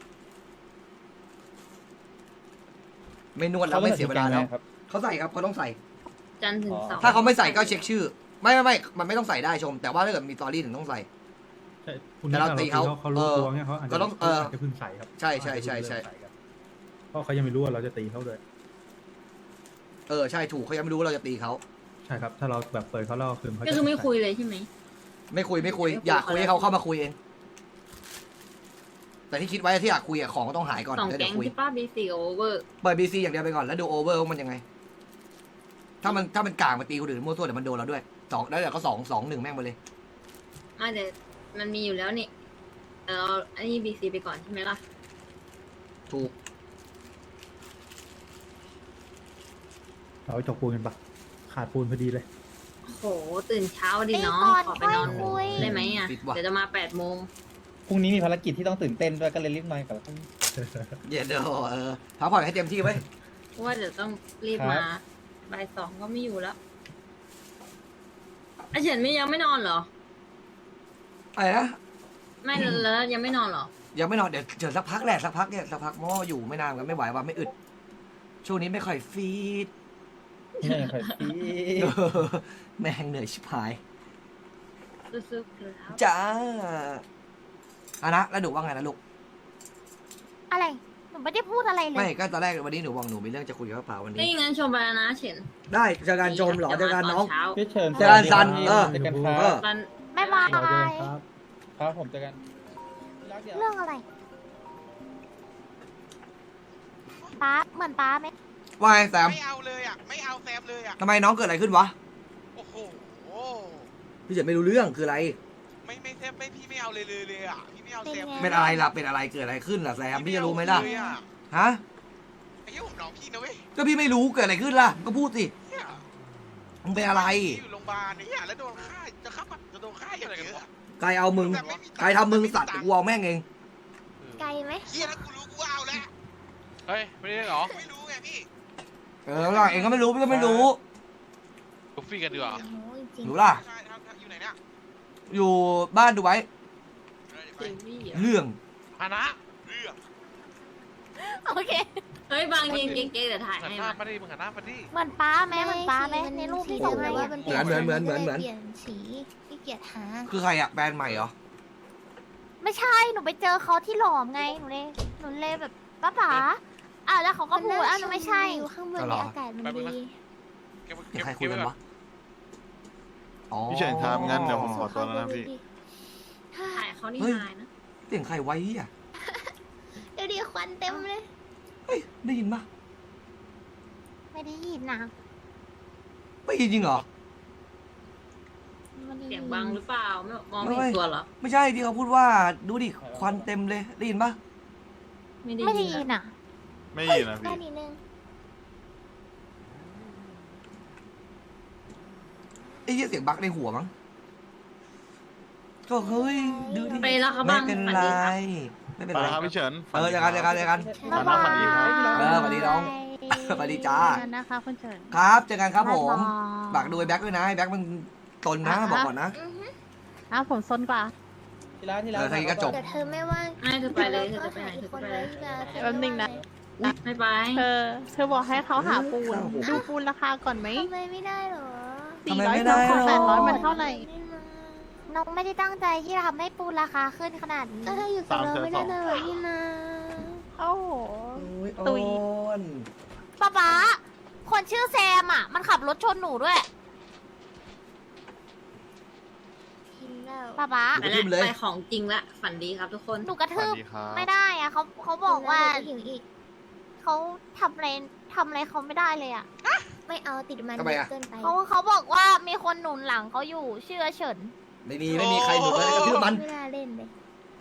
Speaker 2: ไม่นวดแล้วไม่เสียเวลาแล้ว
Speaker 5: ครับ
Speaker 2: เขาใส่ครับเขาต้องใส่
Speaker 7: จันทร์ถึงเสาร์
Speaker 2: ถ้าเขาไม่ใส่ก็เช็คชื่อ ไม่ไม่ไม่มันไม่ต้องใส่ได้ชม แต่ว่าถ้าเกิดมีตอรี่ถึงต้องใส่
Speaker 4: ใช่คุณ
Speaker 2: แต่เราตีเขา
Speaker 4: เขารู้
Speaker 2: เออ
Speaker 4: ตัวเนี่ยเขาอาจ
Speaker 2: ก็
Speaker 4: จะ
Speaker 2: ต้องเออ
Speaker 4: าจจะเพึ่งใส่ครับ
Speaker 2: ใช่ใช่ใช่ใช่
Speaker 4: เขาอาจจะเพิ่งเริ่มส่กันเพราะเขายังไม่รู้ว่าเราจะตีเขาด้วย
Speaker 2: เออใช่ถูกเขายังไม่รู้ว่าเราจะตีเขา
Speaker 4: ใช่ครับ ถ้าเราแบบเปิดเขาเล่าคืนเขา
Speaker 7: ก็
Speaker 4: จะ
Speaker 7: คือไม่
Speaker 4: ใส่
Speaker 7: คุยเลยใช่ไหม
Speaker 2: ไม่คุยไม่คุย
Speaker 7: ไม่คุย
Speaker 2: อยากคุย
Speaker 7: เขาแล้ว
Speaker 2: ให้เขาเข้ามาคุยเอง แต่ที่คิดไว้ที่อยากคุยอะของก็ต้องหายก่อน
Speaker 7: สอง
Speaker 2: แล้ว
Speaker 7: แก๊
Speaker 2: เดี๋ย
Speaker 7: ง
Speaker 2: วคุย
Speaker 7: ที่ป้าบีซีกับโอเวอร์
Speaker 2: เปิดบีซีอย่างเดียวไปก่อนแล้วดูโอเวอร์ว่ามันยังไง ถ้ามันถ้ามันกลางมาตีคนอื่นมั่วตัวเดี๋ยวมันโดนเราด้วยสองแล้วเดี๋ยวก็สองสองหนึ่งแม่งไปเลย
Speaker 7: ไม่แต่มันมีอยู่แล้วนี่แต่เราอันนี้บีซีไปก่อนใช่ไหมล่ะ
Speaker 2: ถูก
Speaker 4: เราจกปูนกันปะขาดปูนพอดีเลย
Speaker 7: โหตื่นเช้าดิ
Speaker 1: ตี
Speaker 7: น้อง
Speaker 1: ก่อน
Speaker 7: ขอไป
Speaker 1: ค่อย
Speaker 7: นอน
Speaker 1: คุย
Speaker 7: ได้ไหมอ่ะ
Speaker 2: ปิดว่ะ
Speaker 7: เดี๋ยวจะมาแปดโมง
Speaker 5: พรุ่งนี้มีภารกิจที่ต้องตื่นเต้นด้วยก็เลยรีบมากับ
Speaker 2: เดี๋ยวเดี๋ยวเออพักผ่อนให้เต็มที่ไว้ย
Speaker 7: เพราะว่าเดี๋ยวต้องรีบ
Speaker 5: ครับ
Speaker 7: มาบ่ายสองก็ไม่อยู่แล้วไอเฉินไม่ยังไม่นอนเหรอ
Speaker 2: อะไรนะ
Speaker 7: ไม่แล้วยังไม่นอนเหรอ
Speaker 2: ยังไม่นอนเดี๋ยวเดี๋ยวสักพักแหละสักพักเนี่ยสักพักเพราะว่าอยู่ไม่นานกันไม่ไหวว่าไม่อึดช่วงนี้ไม่ค่อยฟีด
Speaker 5: เหนื่อยค่ะพี่
Speaker 2: เออแม่งเหนื่อยชิบหาย
Speaker 7: สู้ๆครับ
Speaker 2: จ้าอะนะแล้วหนูว่าไงนะลูก
Speaker 1: อะไร หนูไม่ได้พูดอะไรเล
Speaker 2: ไม่
Speaker 1: ย
Speaker 2: ก็ตอนแรกวันนี้หนูบอกหนูมีเรื่องจะคุยกับป้าวัน
Speaker 7: นี่
Speaker 2: นี้
Speaker 7: งั้นชมไปแล้วนะเฉิน
Speaker 2: ได้เจอกันชมเหรอเจอกันน้อง
Speaker 7: เช้า
Speaker 5: พี่เชิญ
Speaker 2: เจอกันซันเออ
Speaker 5: เจอกันครั
Speaker 2: เออ
Speaker 5: บ
Speaker 7: ตอน
Speaker 1: บ๊ายบาย
Speaker 4: เราเดินครับ
Speaker 5: ครับผมเจอกันรักเดี๋ยว
Speaker 1: เรื่องอะไร ป้า เหมือนป้าไหม
Speaker 2: ว่าไงแซม
Speaker 10: ไม่เอาเลยอ่ะ ไม่เอาแซมเลยอ่ะ
Speaker 2: ทำไมน้องเกิดอะไรขึ้นวะ
Speaker 10: โอ้โห
Speaker 2: พี่เฉินไม่รู้เรื่องคืออะไร
Speaker 10: ไม่ไม่แซมไม่พี่ไม่เอาเลยเลยเลยอ่ะ พี่ไม่เอาแซม
Speaker 2: เป็นอะไรล่ะเป็นอะไรเกิดอะไรขึ้นล่ะแซมพี่จะรู้ไหมล่ะ
Speaker 10: เลยอ
Speaker 2: ฮะ
Speaker 10: ไอ้เหี้ยผมน้องพี่นะเว้ย
Speaker 2: ก็พี่ไม่รู้เกิดอะไรขึ้นล่ะก็พูดสิ
Speaker 10: เหี้ย
Speaker 2: มึงเป็นอะไร
Speaker 10: พี่อยู่โรงพยาบาลเนี่ยแล้วโดนฆ่าจะฆ่าจะโดนฆ่าอย่างเงี้ย
Speaker 2: ใครเอามึง
Speaker 10: แบบไม่มีตังค์
Speaker 2: ใครทำมึงสัตว์กูเอาแม่งเอง
Speaker 1: ไกลไหม
Speaker 10: เฮียแล้วกูรู้กูเอาแล้ว
Speaker 11: เฮ้ย ไม่ได้เหรอ
Speaker 10: ไม่รู้ไงพี่
Speaker 2: เออล่ะเองก็ไม่รู้พี่ก็ไม่รู้
Speaker 11: ลูฟี่กันดีกว่า
Speaker 1: โอ้ยจริง
Speaker 2: รู้ล่ะ
Speaker 10: ใช่ครับอยู่ไหนเนี่ย
Speaker 2: อยู่บ้านดูไว้
Speaker 10: เออเดี๋ยวไป
Speaker 7: ทีวีเหรอ
Speaker 2: เรื่อง
Speaker 11: ฮานะ
Speaker 10: เรื่อง
Speaker 1: โอเค
Speaker 7: เฮ้ยบางยืนเก๊กๆเดี๋ยวถ่าย
Speaker 11: หัน
Speaker 7: ให้
Speaker 11: หน้า
Speaker 7: มา
Speaker 11: มาดิมึงหันหน้ามาดิ
Speaker 1: เหมือนป้าไหมเหมือนป้าไหมในรูปที่ส่งให้อะ
Speaker 2: เหมือนเหมือนเหมือนเหมือนเหมือน
Speaker 8: เปลี่ยนสีขี้เกียจหา
Speaker 2: คือใครอะแบรนด์ใหม่เหรอ
Speaker 1: ไม่ใช่หนูไปเจอเขาที่หลอมไงหนูเลยหนูเลยแบบป้าป๋าอ้าวแล้วเขาก็พูดอ้าวหนูไม่ใช่
Speaker 8: อยู่ข้างบน
Speaker 2: อ๋อเหร
Speaker 8: ใน
Speaker 2: อ
Speaker 8: อากาศมัน
Speaker 11: แป๊บนึงนะ
Speaker 8: ดี
Speaker 11: เก็บ
Speaker 2: เดี๋
Speaker 11: เก็
Speaker 2: ยว
Speaker 11: บ
Speaker 2: ใครคุย
Speaker 11: เก็บ
Speaker 2: กัน
Speaker 11: ไว้ก่
Speaker 2: วะ
Speaker 11: อน
Speaker 2: อ๋อ
Speaker 4: พี่เฉินครับงั้นเดี๋ยวผมขอตัวแล้วนะพี่
Speaker 7: ถ่ายเขานี่
Speaker 2: เฮ้ย
Speaker 7: หายนะ
Speaker 2: เสียงใครไว้อะ
Speaker 8: เดี๋ยวดีควันเต็มเลย
Speaker 2: เฮ้ยได้ยินปะ
Speaker 1: ไม่ได้ยินนะ
Speaker 2: ไม่ยินจริงเหรอ
Speaker 1: ไม่ได้
Speaker 7: เสี
Speaker 1: ยิ
Speaker 7: ยง
Speaker 1: น
Speaker 7: บังหรือเปล่าไม่มองไม่
Speaker 2: ไม่
Speaker 7: เห็นตัวเหรอ
Speaker 2: ไม่ใช่ที่เขาพูดว่าดูดิควันเต็มเลยได้ยินปะ
Speaker 7: ไม่ได้
Speaker 1: ไม่ได้
Speaker 7: ยิ
Speaker 1: ยิ
Speaker 7: น
Speaker 1: น
Speaker 7: อะ
Speaker 1: อ่ะ
Speaker 4: ไม่ยินนะ
Speaker 8: ได้
Speaker 4: พี่
Speaker 8: นิดนึง
Speaker 2: ไอ้เหี้ยเสียงบั๊กในหัวมั้งก็เฮ้ยดูดิ
Speaker 7: ไปแล้วครับ
Speaker 2: ไม่
Speaker 7: บาง
Speaker 2: เป็น
Speaker 7: ฝัน
Speaker 2: ไร
Speaker 7: ดีครับ
Speaker 2: ไม่เป็น
Speaker 4: ไป
Speaker 2: ไร
Speaker 4: แล้วครับพี่เฉิน
Speaker 2: เออเจอกันเจอกันเจอกัน
Speaker 4: ฝันดีฝันดีครับ
Speaker 2: เออสวัสดีน้อง สวัสดีจ้า
Speaker 1: นะคะคุณเฉิน
Speaker 2: ครับเจอกันครับผม
Speaker 1: บ๊ายบาย
Speaker 2: ฝากดูไอ้แบ็คด้วยนะไอ้แบ็คมันตนนะบอกก่อนนะ
Speaker 1: อ้าวผมซนกว่า
Speaker 6: ทีละทีละ
Speaker 2: เออทีนี้ก็จบ
Speaker 8: แต่เธอไม่ว่าง
Speaker 7: ไม่เธอไปเลยเธอจะไปไหนเธอ
Speaker 8: ค
Speaker 7: จะ
Speaker 8: น
Speaker 7: ไป
Speaker 8: ไว้
Speaker 7: เลย
Speaker 8: ที่แบบ
Speaker 1: แป๊บนึงนะ
Speaker 7: ไม่ไป
Speaker 1: เธอเธอบอกให้เขาหาปูน
Speaker 2: โอ้โห
Speaker 1: ดูปูนราคาก่อนไหม
Speaker 8: ทำไมไม่ได้เหรอ
Speaker 2: ทำไม
Speaker 1: สี่ร้อย
Speaker 2: ไม่ได้
Speaker 1: สอง
Speaker 2: หรอ
Speaker 1: แปดร้อยมันเท่าไหร่
Speaker 8: ไม่มา
Speaker 1: น้องไม่ได้ตั้งใจที่จะทำให้ปูนราคาขึ้นขนาดนี้
Speaker 8: ก็ถ้าอยู่กับเราไม่ได้เลยพี่นา
Speaker 1: โอ้โห
Speaker 2: โอ้ย
Speaker 1: ตุ๋ย
Speaker 2: โอน
Speaker 1: ป๊าป๊าคนชื่อแซมอ่ะ มันขับรถชนหนูด้วย
Speaker 8: กินแล้ว
Speaker 1: ป๊าป๊า
Speaker 7: ไปแล้วไปของจริงละฝันดีครับทุกคน
Speaker 1: หนูกระ
Speaker 4: ส
Speaker 1: ทื
Speaker 4: วั
Speaker 1: บ
Speaker 4: สดีครับ
Speaker 1: ไม่ได้อ่ะเขาเขาบอกว่า
Speaker 8: กินแล้วเดี๋ยหิวอีก
Speaker 1: เขาทำอะไรทำอะไรเขาไม่ได้เลยอ่ะ
Speaker 8: ไม่เอาติดมัน
Speaker 2: ทำไมอะ
Speaker 8: เกินไป
Speaker 1: เขาเขาบอกว่ามีคนหนุนหลังเขาอยู่ชื่อเฉิน
Speaker 2: ไม่มีไม่มีใครหนุนเลยกระทืบมัน
Speaker 8: ไม่น่าเล่นเลย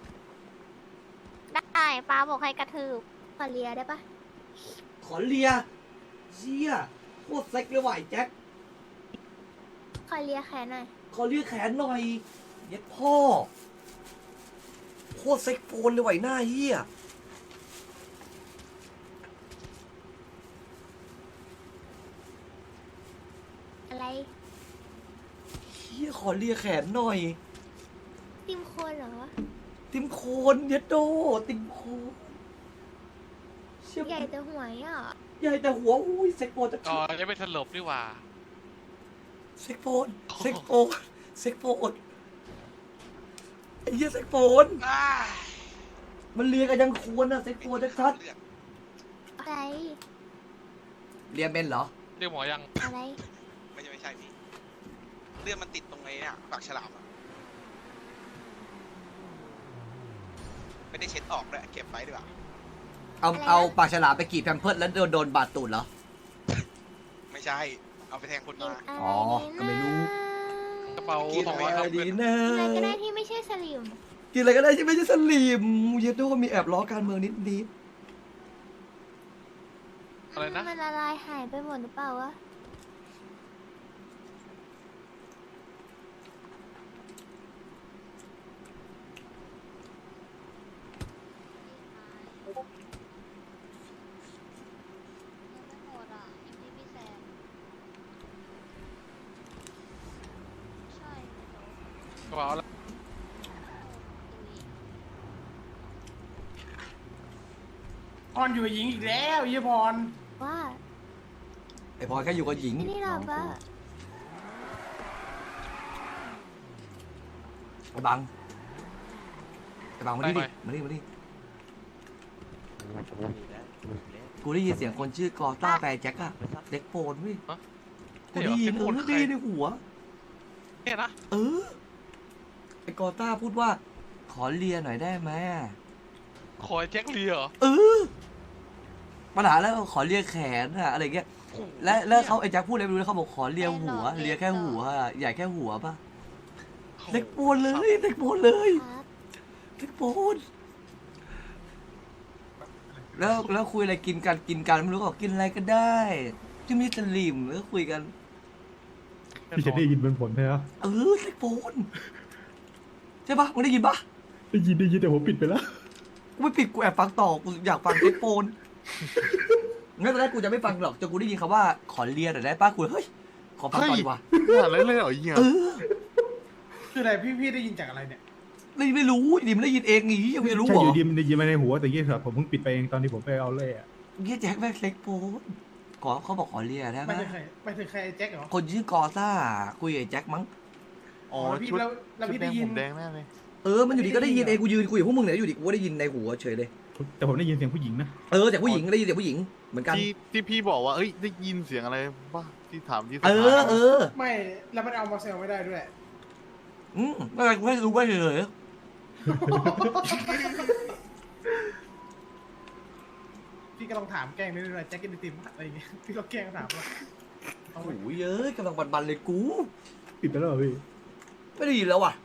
Speaker 1: ได้ป้าบอกให้กระทืบ
Speaker 8: ขอเลียได้ปะ
Speaker 2: ขอเลียเชี่ยโคตรเซ็กเลยว่ะไอ้แจ็ค
Speaker 8: ขอเลียแขนหน่อย
Speaker 2: ขอเลียแขนหน่อยเย็ดพ่อโคตรเซ็กโฟนเลยว่ะไอ้หน้าเหี้ย
Speaker 8: อะไร
Speaker 2: เหี้ยขอเลียแขนหน่อย
Speaker 8: ติมโคนเหรอ
Speaker 2: ติมโคนเย็ดโดติมโคนเชี่ย
Speaker 8: ใหญ่แต่หัวอ่ะ
Speaker 2: ใหญ่แต่หัวอุ้ยเซ็กโฟนจะ
Speaker 11: อ๋อจะไปสลบดีกว่า
Speaker 2: เซ็กโฟนเซ็กโฟนเซ็กโฟนไอ้เหี้ยเซ็กโฟน
Speaker 10: อ้าย
Speaker 2: มันเลียกันยังควรอะเซ็กโฟนชัด
Speaker 10: เลือด
Speaker 8: อะไร
Speaker 2: ๆเลียเป็นเหรอ
Speaker 11: เรียกหมอยัง
Speaker 8: อะไร
Speaker 10: ไม่ใช่ไม่ใช่พี่เลือดมันติดตรงไอ้เนี่ยปากฉลามอะไม่ได้เช็ดออกเลยเก็บไว้ดีกว่า
Speaker 2: เอา
Speaker 8: อะไรนะ
Speaker 2: เอาปากฉลามไปกรีดแพมเพิร์ดแล้วโดนโดนบาดตูดเหรอ
Speaker 10: ไม่ใช่ เอาไปแทงคน
Speaker 8: กิน
Speaker 10: มา
Speaker 8: อะไร
Speaker 2: อ๋อก็ไม่รู้
Speaker 11: กระเป๋า
Speaker 10: กิน
Speaker 11: สอง
Speaker 10: ไป
Speaker 11: ร้อยครับ
Speaker 2: ดีนะ
Speaker 8: อะไรก็ได้ที่ไม่ใช่สลิม
Speaker 2: กินอะไรก็ได้ที่ไม่ใช่สลิมเย็ดโดมีแอบล้อการเมืองนิดนิด
Speaker 11: อะไรนะ
Speaker 8: มันละลายหายไปหมดหรือเปล่าวะ
Speaker 11: กระเป๋าอะไร
Speaker 6: พรอยู่กับหญิงอีกแล้วยี่พร
Speaker 8: ว่า
Speaker 2: ไอพลอยแค่อยู่กับหญิง
Speaker 8: นี่เราปะ
Speaker 2: ไอ้บังไอ้บังมาดิดิมาดิมาดิกูได้ยินเสียงคนชื่อกอต้าแปรแจ็คอะเด็กโฟนเว้ยกูได้ยินเออได้ยินในหัว
Speaker 11: เนี่ยนะ
Speaker 2: เออไอ้กอต้าพูดว่า ขอเลียหน่อยได้ไหมอะ
Speaker 11: ขอไอ้แจ็คเลียเหรอ
Speaker 2: เออปัญหาแล้วขอเลียแขนอะอะไรเงี้ยและแล้วเขาไอ้แจ็คพูดอะไรไม่รู้แล้วเขาบอกขอเลียหัวเลียแค่หัวอะใหญ่แค่หัวป่ะเด็กโฟนเลยเด็กโฟนเลย
Speaker 8: ครับ
Speaker 2: เด็กโฟนแล้วแล้วคุยอะไรกินกันกินกันไม่รู้ก็บอกกินอะไรก็ได้ที่ไม่สลิมแล้วคุยกัน
Speaker 4: พี่จะได้ยินเป็นผลใช่ไหม
Speaker 2: เออเด็กโฟนใช่ปะมึงได้ยินปะ
Speaker 4: ได้ยินได้ยินแต่ผมปิดไปแล้ว
Speaker 2: กูไม่ปิดกูแอบฟังต่อกูอยากฟังเด็กโฟนงั้นตอนแรกกูจะไม่ฟังหรอกจนกูได้ยินคำว่าขอเลียหน่อยได้ปะกูเฮ้ยขอฟังต่อดีกว่า
Speaker 4: อะไรเลยเหรอเฮีย
Speaker 2: เออ
Speaker 6: คืออะไรพี่พี่ได้ยินจากอะไรเนี่ย
Speaker 2: ไไม่ไม่รู้ดิมันได้ยินเองงี้ยังไม่รู้
Speaker 4: ใช่
Speaker 2: เหร
Speaker 4: อ
Speaker 2: อยู่
Speaker 4: ดีมันได้ยินมาในหัวแต่ยี่สิบผมเพิ่งปิดไปเองตอนที่ผมไปเอาเลยอ่ะ
Speaker 2: เฮียแจ็คแม่งเซ็กโพสก่อนเขาบอกขอเลียได้ไหม
Speaker 6: ไม่ถึงใครไม่ถึงใครไอ้แจ็คเหรอ
Speaker 2: คนชื่อกอซ่าคุยกับไอ้แจ็คมั้ง
Speaker 6: อ๋อแล้วพี่แล้วแล้วพี่ได้ยิน
Speaker 2: เออมันอยู่ดีก็ได้ยินเองกูยืนคุยกับพวกมึงเนี่ยอยู่ดีกูก็ได้ยินในหัวเฉยเลย
Speaker 4: แต่ผมได้ยินเสียงผู้หญิงนะ
Speaker 2: เออแต่ผู้หญิงได้ยินเสียงผู้หญิงเหมือนกัน
Speaker 12: ที่ที่พี่บอกว่าเอ้ยได้ยินเสียงอะไรป่ะที่ถามที่ส
Speaker 2: เอ
Speaker 12: ภา
Speaker 2: อเออ
Speaker 6: ไม่แล้วมันเอามาเซลไม่ได้ด้วย
Speaker 2: อืมไม่เป็นไรกูไม่รู้ไม่เลย
Speaker 6: พี่ก็ลองถามแกล้งนิดหน่อยแจ็คกินไอติมอะไรอย่างเงี้ยพี่ก็แกล้งถามว่าเอา
Speaker 2: โอ้
Speaker 6: ไว้
Speaker 2: ยเอ้ยกำลังบันๆเลยกู
Speaker 4: ปิดไปแล้วเหรอพี่
Speaker 2: ไม่ได้ยินแล้วว่ะ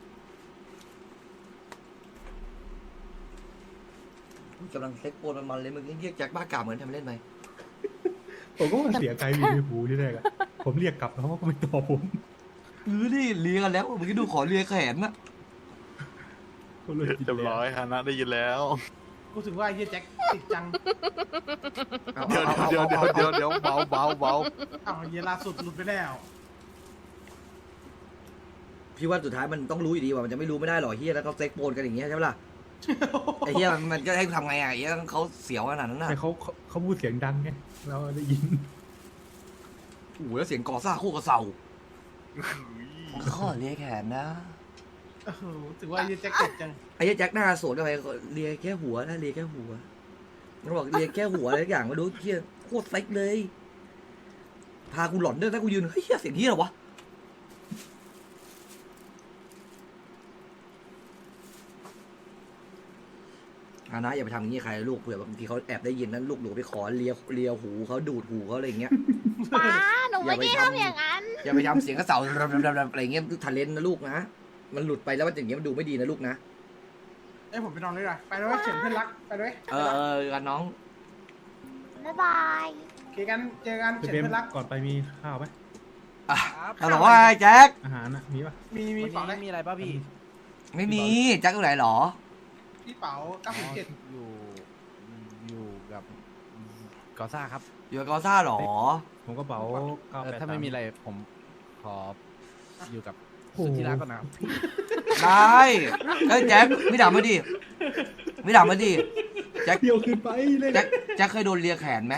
Speaker 2: กำลังเซ็กโปนมันๆเลยมึงเรียกแจ็คบ้ากาเหมือนทำเล่นไหม
Speaker 4: ผมก็ว่าเสียงใครอยู่ในหูที่แรกอะผมเรียกกลับแล้วเขาก็ไม่ตอบผม
Speaker 2: เออนี่เลียกันแล้วมึงก็ดูขอเลียแขนนะ
Speaker 4: ก็เลยปิด
Speaker 12: เรียบ
Speaker 4: แล้ว
Speaker 12: ร้อยฮานะได้ยินแล้ว
Speaker 6: กูถึงว่าไอ้เหี้ยแจ็คติดจัง
Speaker 12: เดี๋ยวเดี๋ยวเดี๋ยวเดี๋ยวเดี๋ยวเบาเบาเบา
Speaker 6: อ้าวเหี้ยล่าสุดหลุดไปแล้ว
Speaker 2: พี่ว่าสุดท้ายมันต้องรู้อยู่ดีว่ามันจะไม่รู้ไม่ได้หรอกเฮียแล้วเขาเซ็กโปนกันอย่างเงี้ยใช่ไหมล่ะไอ้เฮียมันมันก็ให้ทำไงอ่ะไอ้เฮียเขาเสียวขนาดนั้นน่ะ
Speaker 4: แต่เขาเขาเขาพูดเสียงดังไงเราได้ยิน
Speaker 2: โอ้โหแล้วเสียงกอซ่าโคกระเซาขอเลียแขนนะ
Speaker 6: โอ้โหถือว่าไอ้เหี้ยแจ็คติดจัง
Speaker 2: ไอ้เหี้ยแจ็คหน้าสวนกันไปเลียแค่หัวนะเลียแค่หัวมันบอกเลียแค่หัวอะไรทุกอย่างมาดูเฮียโคตรเซ็กเลย พากูหลอนด้วยถ้ากูยืนเฮ้ยเหี้ยเสียงเฮียเหรอวะอานะอย่าไปทำอย่างนี้ใครลูกเผื่อบางทีเขาแอบได้ยินนั้นลูกหนูไปขอเลียเลียหูเขาดูดหูเขาอะไรอย่างเงี้ย
Speaker 1: ป้าหนูไม่
Speaker 2: อย่าไป
Speaker 1: ได้
Speaker 2: ทำ
Speaker 1: ทำอย่างนั้น
Speaker 2: อย่าไปทำเสียงกระเสาอะไรอย่างเงี้ยทะเลนนะลูกนะมันหลุดไปแล้วมันอย่างเงี้ยมันดูไม่ดีนะลูกนะ
Speaker 6: เอ้ยผมไปนอนเลยว่ะไปด้วยเฉินเพื่อนรักไปด้วย
Speaker 2: เออเออกันน้อง
Speaker 1: บ๊ายบาย
Speaker 6: โอเคกันเจอกัน
Speaker 4: จะ
Speaker 6: เฉิน
Speaker 4: เป็น
Speaker 6: เพื่อนรัก
Speaker 4: ก่อนไปมีข้าวไหม
Speaker 2: อ่ะเราบอกว่าไอ้แจ็ค
Speaker 4: อาหารนะมีปะ
Speaker 6: มีมีเป๋าอะไร
Speaker 9: มีอะไรป่ะพี่
Speaker 2: ไม่มีแจ็คอยู่ไหนหรอ
Speaker 6: พี่เป๋าเก้าสิบเจ็ด
Speaker 9: อยู่อยู่กับกอซ่าครับ
Speaker 2: อยู่กับกอซ่าหรอ
Speaker 4: ผมก็เป๋าเก้า
Speaker 9: เออ
Speaker 4: แปด
Speaker 9: ถ้าไม่มีอะไรผมขออยู่กับ
Speaker 4: โอ้โห
Speaker 9: สุดที่รักก่อนนะครับ
Speaker 2: ได้เอ้ยแจ็คไม่ด่ามาดิไม่ด่ามาดิแจ็ค
Speaker 4: เดียวขึ้นไปเลย
Speaker 2: แจ็คแจ็คเคยโดนเลียแขนไหม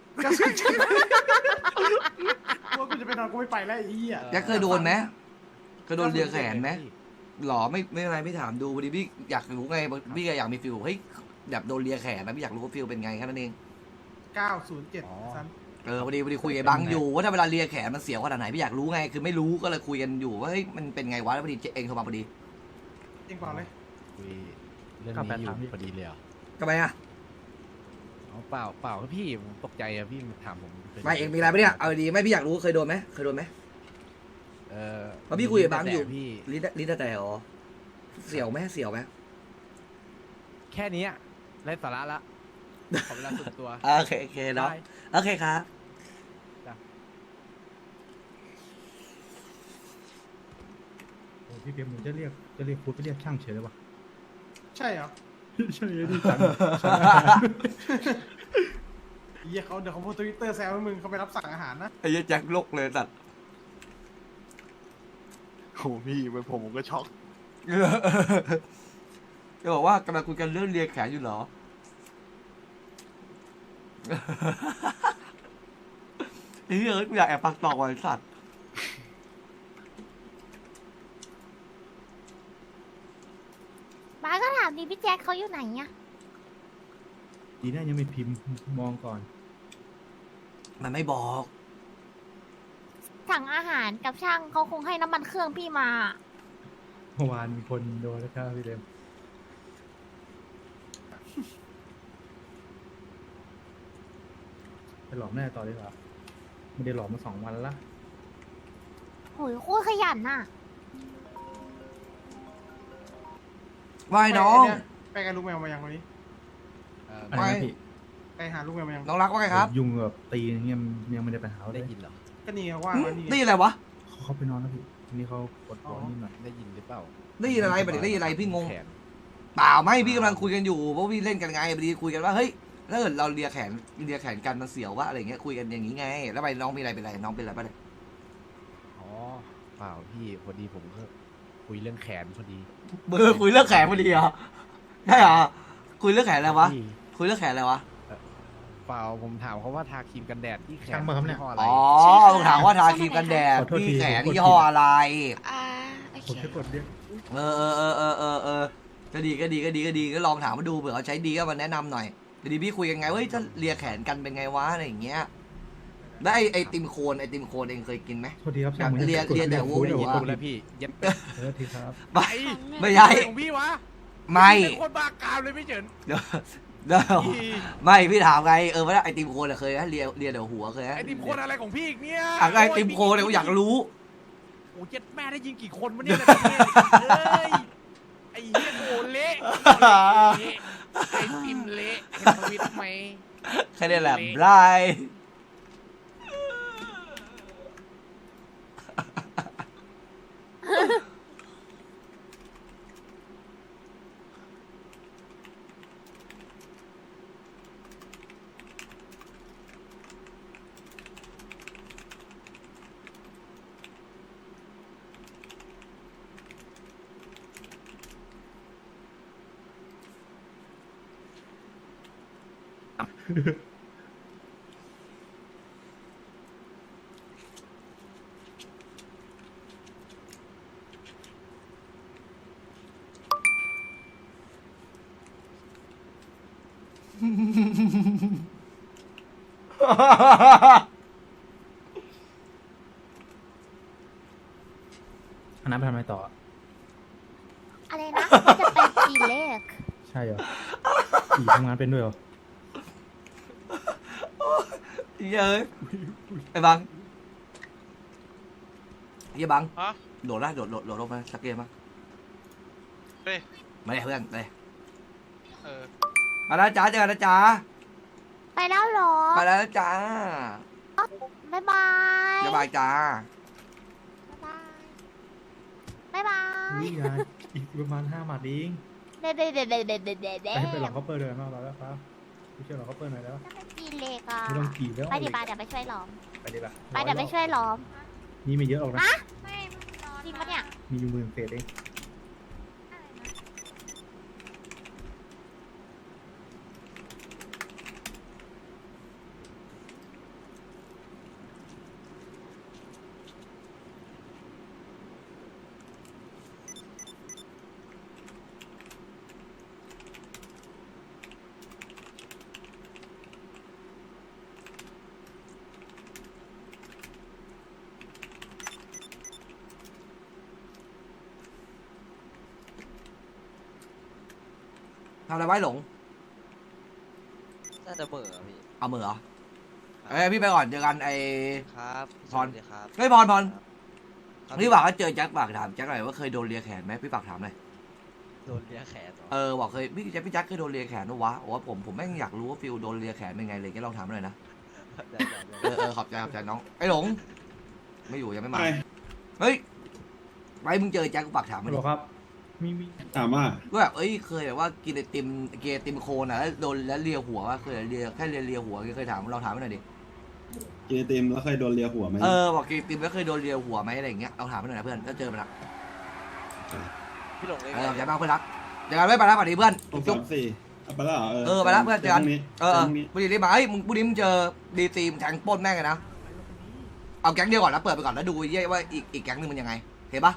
Speaker 6: ว่ากูจะไปนอนกูไม่ไปแล้วไอ้เหี้ย
Speaker 2: แจ็คเคยโดนไหมเคยโดนเลียแขนไหมหรอไม่ไม่อะไรไม่ถามดูพอดีพี่อยากรู้ไงพี่อยากมีฟิลเฮ้ยแบบโดนเลียแขนนะพี่อยากรู้ว่าฟิลเป็นไงแค่นั้นเอง
Speaker 6: เก้าศูนย์เจ็ดซัน
Speaker 2: เออพอดีพอดีคุยกับบังอยู่ว่าถ้าเวลาเลียแขนมันเสียวขนาดไหนพี่อยากรู้ไงคือไม่รู้ก็เลยคุยกันอยู่ว่าเฮ้ยมันเป็นไงวะแล้วพอดีเองโทรมาพอดี
Speaker 6: เองเปล่าเลย
Speaker 9: คุยเรื่องนี้อยู่พอดีเลยเหรอ
Speaker 2: ทำไมอ่ะ
Speaker 9: อ๋อเปล่าเปล่าครับพี่ผมตกใจอะพี่มาถามผม
Speaker 2: ไม่เองมีอะไรปะเนี่ยเอาดีไม่พี่อยากรู้เคยโดนไหมเคยโดนไหม
Speaker 9: เออ
Speaker 2: เพราะพี่คุยกับบังอยู่
Speaker 9: แต่พี่
Speaker 2: ลิ้นลิ้นแต่หรอเสียวไหมเสียวไหม
Speaker 9: แค่นี้ไร้สาระละขอเวลาส่วนตัว
Speaker 2: โอเคโอเคเนาะ
Speaker 9: ได้
Speaker 2: โอเคครับ
Speaker 4: โอ้พี่เพียมผมจะเรียกจะเรียกพูดไปเรียกช่างเฉยเลยวะ
Speaker 6: ใช่เหรอ
Speaker 4: ใช่ที่สั่ง
Speaker 6: เหี้ยเขาเดี๋ยวเขาโพสทวิตเตอร์แซวให้มึงเขาไปรับสั่งอาหารนะ
Speaker 2: ไอ้เหี้ยแจ็คโลกเลยสัตว์
Speaker 12: โอ้พี่เป็นผมผมก็ช็อก
Speaker 2: จะบอกว่ากำลังคุยกันเรื่องเลียแขนอยู่เหรอ ไอ้เหี้ยกูอยากแอบปักตอกไว้สัตว์
Speaker 1: ป้าก็ถามดิพี่แจ็คเขาอยู่ไหนอะ
Speaker 4: ดีน่ายังไม่พิมพ์มองก่อน
Speaker 2: มันไม่บอก
Speaker 1: สั่งอาหารกับช่างเขาคงให้น้ำมันเครื่องพี่มา
Speaker 4: เมื่อวานมีคนโดนแล้วครับพี่เดมไปหลอกแม่ต่อดีกว่าไม่ได้หลอกมาสองวันละ
Speaker 1: โหยโคตรขยันน่ะ
Speaker 2: ว่ายน้อง
Speaker 6: ไปกับลูกแมวมายังวันนี้
Speaker 9: เออ
Speaker 4: อะไรนะพี่
Speaker 6: ไปหาลูกแมวมายัง
Speaker 2: น้องรักว่าไงครับ
Speaker 4: ยุ่งแบบตีอย่างเงี้ยยังไม่ได้ไปหาเล
Speaker 9: ได้
Speaker 4: ย
Speaker 9: ยินเหรอ
Speaker 6: ก็นี่ไงว่างวันนี้
Speaker 2: ได้ยินอะไรวะ
Speaker 4: เขาเข้าไปนอนแล้วพี่ทีนี้เขาปวดหัวนิดหน่อย
Speaker 9: ได้ยินหรือเปล่า
Speaker 2: ได้ยินอะไรบัดนี้ได้ยินอะไรพี่งง
Speaker 9: แขน
Speaker 2: เปล่าไม่พี่กำลังคุยกันอยู่เพราะพี่เล่นกันไงพอดีคุยกันว่าเฮ้ยถ้าเกิดเราเลียแขนเลียแขนกันมันเสียววะอะไรเงี้ยคุยกันอย่างนี้ไง แล้วไปน้องมีอะไรเป็นไรน้องเป็นอะไรปะเนี่ย
Speaker 9: อ๋อเปล่าพี่พอดีผมก็คุยเรื่องแขนพอดี
Speaker 2: เบอร์คุยเรื่องแขนพอดีเหรอได้เหรอคุยเรื่องแขนอะไรวะ
Speaker 9: พี่
Speaker 2: คุยเรื่องแขนอะไรวะ
Speaker 9: เปล่าผมถามเขาว่าทาครีมกันแดดที่แขน
Speaker 4: ช่างมาครับเนี่ย
Speaker 9: ยี่ห้ออะไร
Speaker 2: อ๋อมึงถามว่าทาครีมกันแดด
Speaker 4: ขอโทษที
Speaker 2: ที่แขน
Speaker 4: ผมกด
Speaker 2: ยี่ห้ออะไร
Speaker 8: อ่าโอ
Speaker 4: ผม
Speaker 8: เค
Speaker 4: แค่กดเรียก
Speaker 2: เออเออเออเออเออเออก็ดีก็ดีก็ดีก็ดีก็ลองถามมาดูเผื่อเขาใช้ดีก็มาแนะนำหน่อยเดี๋ยวดีพี่คุยกันไงเฮ้ยถ้าเลียแขนกันเป็นไงวะอะไรอย่างเงี้ยแล้วไอไอติมโคนไอติมโคนเองเคยกินไหม
Speaker 4: โทษทีครับช่าง
Speaker 2: เรียนเรียนแต่หัว
Speaker 4: เดี๋ยว
Speaker 2: หัว
Speaker 4: ก
Speaker 9: ดู
Speaker 4: ด
Speaker 9: แล้วพี่เย็ด
Speaker 4: เออทีครับ
Speaker 2: ไม่ไม่
Speaker 9: ใช่
Speaker 2: ใช่
Speaker 9: ของพี่วะ
Speaker 2: ไม่
Speaker 9: พี่เป็นคนบ้ากามเลยพี่เฉิน
Speaker 2: เดี๋ยวเดี๋ยวไม่พี่ถามไงเออว่าไอติมโคนอะเคยไหมเลียเลียเดี๋ยวหัวเคยไหม
Speaker 9: ไอติมคนอะไรของพี่อีกเนี่ย
Speaker 2: อ่ะไอติมโคนเนี่ยกูอยากรู้
Speaker 9: โอ้เจ็ดแม่ได้ยิงกี่คนวะเนี่ยในประเทศเอ้ยไอ้เหี้ยโอ้เละเละไอติมเละเห็นทวิตไหม
Speaker 2: แค่นี้แหละไร
Speaker 4: อันนั้นไปทำอะไรต่อ
Speaker 8: อะไรนะว่าจะไปกี่เลข
Speaker 4: ใช่เหรออีทำงานเป็นด้วยเหรอ
Speaker 2: เย้ยไอ้บังเยี่ยบัง
Speaker 11: ฮะ
Speaker 2: โดดละโดดโดดโดดลงมาสักเกมมั้ย
Speaker 11: เฮ้ย
Speaker 2: มาเลยเพื่อนมาเลย
Speaker 11: เออ
Speaker 2: มาแล้วจ้าเจอกันนะจ้า
Speaker 8: ไปแล้วเหรอ
Speaker 2: มาแล้วจ้า
Speaker 8: บ๊ายบาย
Speaker 2: บ๊ายบายจ้า
Speaker 8: บ๊ายบาย
Speaker 4: นี่นะอีกประมาณห้าหมัดเอง
Speaker 8: เด็ดเด็ดเด็ดเด็ดเด็ดเด็ดเด็ด
Speaker 4: ไปให้ไปหลอกเขาเปิดเลยมากแล้วครับไปช่วยหลอกเขาเปิดหน่อยแล้ว
Speaker 8: จะไปกี่เลขอ่ะ
Speaker 4: ไม่ต้องกี่แล้ว
Speaker 8: ไปดิบาเดี๋ยวไปช่วยล้อม
Speaker 4: ไปดิป่ะ
Speaker 8: ไปเดี๋ยวไปช่วยล้อม
Speaker 4: นี่ไม่เยอะหรอกนะ
Speaker 8: จริงปะเนี่ย
Speaker 4: มีอยู่หมื่นเศษเอง
Speaker 2: ทำอะไรไว้หลง
Speaker 13: น่าจะเบื่อพี่
Speaker 2: เอามือเหรอเอ้ยพี่ไปก่อนเจอกันไอ้
Speaker 13: ครับ
Speaker 2: พร
Speaker 13: ครับ
Speaker 2: เฮ้ยพรพรพี่ฝากว่าเจอแจ็คฝากถามแจ็คหน่อยว่าเคยโดนเลียแขนไหมพี่ฝากถามหน่อย
Speaker 13: โดนเลียแขนเหรอ
Speaker 2: เออบอกเคยพี่แจ็คพี่แจ็คเคยโดนเลียแขนด้วยวะโอ้ผมผมแม่งอยากรู้ว่าฟิลโดนเลียแขนเป็นไงเลยแกลองถามหน่อยนะ
Speaker 13: ได้ได้ได้
Speaker 2: เออเออขอบใจขอบใจน้องไอ้หลงไม่อยู่ยังไม่มาเฮ้ยไปมึงเจอแจ็คกูฝากถาม
Speaker 4: ไม่
Speaker 2: มัน
Speaker 4: หรอกครับ มีมี
Speaker 12: ถามว่า
Speaker 2: ก็แบบเอ้ยเคยแบบว่ากินไอติมกินไอติมโคนอ่ะแล้วโดนแล้วเลียหัวว่าเคยเลียแค่เลียเลียหัวเคยถามเราถามมันหน่อยดิ
Speaker 12: กินไอติมแล้วเคยโดนเลียหัวไหม
Speaker 2: เออบอกกินไอติมแล้วเคยโดนเลียหัวไหมอะไรอย่างเงี้ยเอาถามมันหน่อยนะเพื่อนถ้าเจอมันละ
Speaker 13: พี่หลงเลย
Speaker 2: เออขอบใจมากเพื่อนรักเจอกันไม่ไปแล้วสวัสดีเพื่อน
Speaker 12: หก
Speaker 2: จุ๊
Speaker 12: สา
Speaker 2: บ
Speaker 12: มสี่เอาไปแล้วเหรอ
Speaker 2: เออไปแล้วเพื่อนเจอกัน
Speaker 12: พรุ่งนี้
Speaker 2: เออ
Speaker 12: พรุ่งนี้
Speaker 2: พอดีรีบมาเฮ้ยมึงพรุ่งนี้มึงเจอดีซีมแทงปล้นแม่งเลยนะเอาแก๊งเดียวก่อนแล้วเปิดไปก่อนแล้วดูเย่ว่าอีกอีกแก๊งนึงมันยังไงเห็นปะ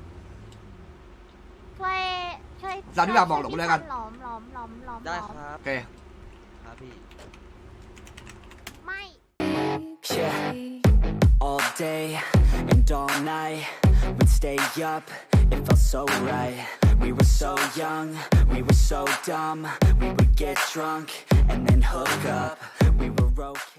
Speaker 8: ช่วยช่วย
Speaker 2: สามที่แบบบอกหลงเลยกัน
Speaker 8: ล้อมล้อมล้อมล้อม
Speaker 13: ได้
Speaker 8: ล้อม
Speaker 13: ครับ
Speaker 2: โอเค
Speaker 13: ครับพี่
Speaker 8: ไม่
Speaker 14: Yeah, all day and all night we'd stay up, it felt so right. We were so young, we were so dumb. We would get drunk and then hook up. We were okay.